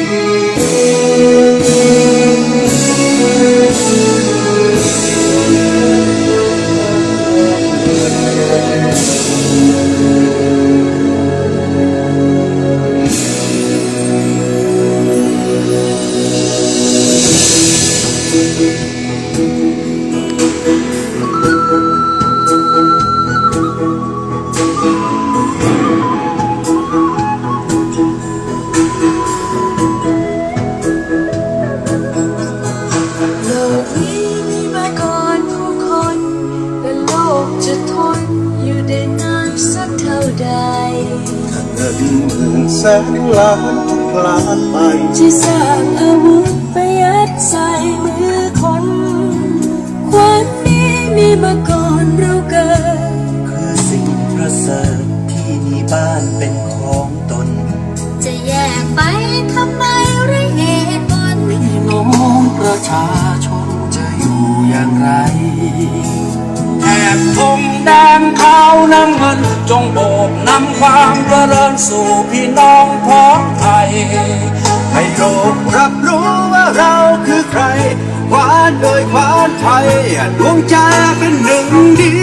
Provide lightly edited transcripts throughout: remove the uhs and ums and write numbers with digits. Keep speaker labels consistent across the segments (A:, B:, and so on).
A: แสนล้านพลาดไป
B: ที่สร้างอาวุธไปยัดใส่มือคนความนี้มีมาก่อนเราเกิด
C: คือสิ่งประเสริฐที่มีบ้านเป็นของตน
B: จะแยกไปทำไมไรเหตุผล
C: พี่น้องประชาชนจะอยู่อย่างไรแอบธงแดงขาวน้ำเงินจงโบกนำความเจริญสู่พี่น้องพ้องไทย
A: ให้โลกรับรู้ว่าเราคือใครขวานโดยขวานไทยดวงใจเป็นหนึ่งเดี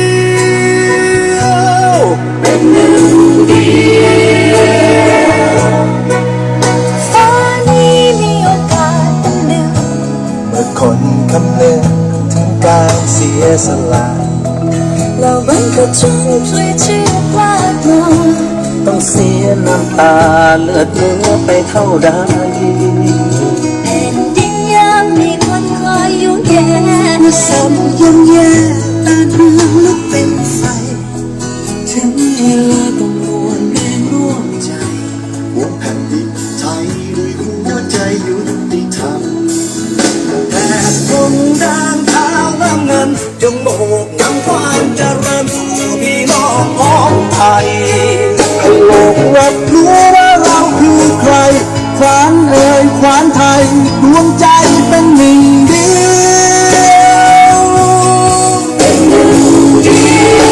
A: ยว
B: เป็นหนึ่งเดียวฟ้านี้มีโอกาสเป็นหนึ่ง
C: เมื่อคนคำนึงถึงการเสียสละ
B: เราบังก็จงช่วยเชื่อพลาดลง
C: ต้องเสียน้ำตาเลือดเนื้อไปเท่าใด
B: แผ่นดินยังมีคนคอยอยู่แย่เมื่อสมย่ำแย่ตาเรืองลุกเป็นไฟ
C: ถึงเวลาต้องรวมแรงร่วมใจ
A: วงแผ่นดินไทยด้วยหัวใจยุติธรรม
C: แต่ธงแดงขาวน้ำเงินจงโบกนำความเจริญสู่พี่น้องของไทย
A: ให้โลกรับรู้ว่าเราคือใครขวานเอ่ยขวานไทยดวงใจเป็นหนึ่งเดียว
B: เป็นหนึ่งเดี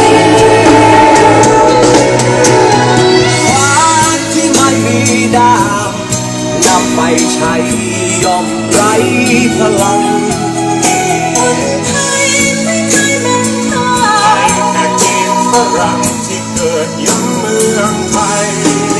B: ยว
C: ขวานที่ไม่มีดาบนำไปใช้ย่อมไร้พลัง
B: คนไทยไม่เคยเป็นทาส
C: แต่จีนฝรั่งที่เกิดอยู่เมืองไทย